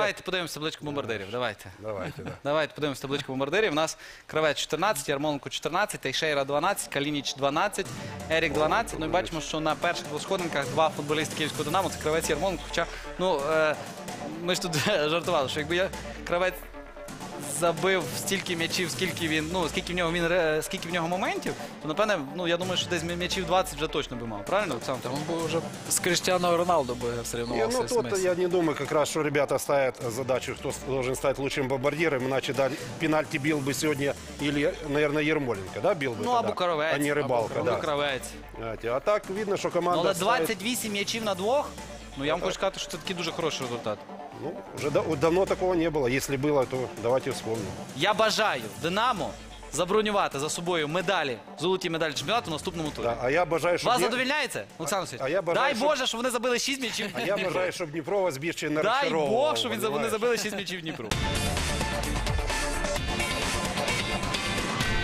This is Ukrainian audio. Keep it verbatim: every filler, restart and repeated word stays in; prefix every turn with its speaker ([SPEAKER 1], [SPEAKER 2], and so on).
[SPEAKER 1] давайте подивимося табличку бомбардирів. Давайте.
[SPEAKER 2] Давайте, да.
[SPEAKER 1] Давайте подивимося табличку бомбардирів. У нас Кравець чотирнадцять, Ярмоленко чотирнадцять, Тейшейра дванадцять, Калініч дванадцять, Ерік дванадцять. Ну і бачимо, що на перших двох сходинках два футболісти Київського Динамо. Це Кравець і Ярмоленко. Хоча, ну, е, ми ж тут жартували, що якби я Кравець забив стільки м'ячів, скільки він, ну, скільки в нього він, ре- скільки в нього моментів, то напевне, ну я думаю, що десь м'ячів двадцять вже точно би мав. Правильно, Олександр?
[SPEAKER 3] Он бы уже с Криштиану Роналду бы
[SPEAKER 2] Не,
[SPEAKER 3] соревновался.
[SPEAKER 2] ну
[SPEAKER 3] с
[SPEAKER 2] тут
[SPEAKER 3] Месси.
[SPEAKER 2] я не думаю, как раз, что ребята ставят задачу, кто с- должен стать лучшим бомбардиром, иначе да, пенальти бил бы сегодня или, наверное, Ермоленко, да, бил бы
[SPEAKER 1] Ну,
[SPEAKER 2] тогда,
[SPEAKER 1] або Кравець.
[SPEAKER 2] а не Рыбалка,
[SPEAKER 1] або
[SPEAKER 2] да.
[SPEAKER 1] Кравець.
[SPEAKER 2] Знаете, а так видно, что
[SPEAKER 1] Ну,
[SPEAKER 2] команда
[SPEAKER 1] але
[SPEAKER 2] ставит-
[SPEAKER 1] двадцять вісім м'ячів на двох, ну я вам хочу сказати, що це такий дуже хороший результат.
[SPEAKER 2] Ну, уже да- давно такого не было. Если было, то давайте вспомним.
[SPEAKER 1] Я бажаю Динамо забронювати за собою медалі, золоті медалі чемпіонату в наступному турі.
[SPEAKER 2] Да, а я бажаю, щоб
[SPEAKER 1] Вас
[SPEAKER 2] не-
[SPEAKER 1] задовільняється, Олександр Васильович?
[SPEAKER 2] а я бажаю,
[SPEAKER 1] Дай
[SPEAKER 2] щоб-
[SPEAKER 1] Боже, щоб вони забили шість м'ячів.
[SPEAKER 2] А я бажаю, щоб Дніпро вас більше не
[SPEAKER 1] Дай
[SPEAKER 2] розчаровував.
[SPEAKER 1] Бог, щоб він- вони
[SPEAKER 2] понимаєш?
[SPEAKER 1] забили шість м'ячів Дніпру.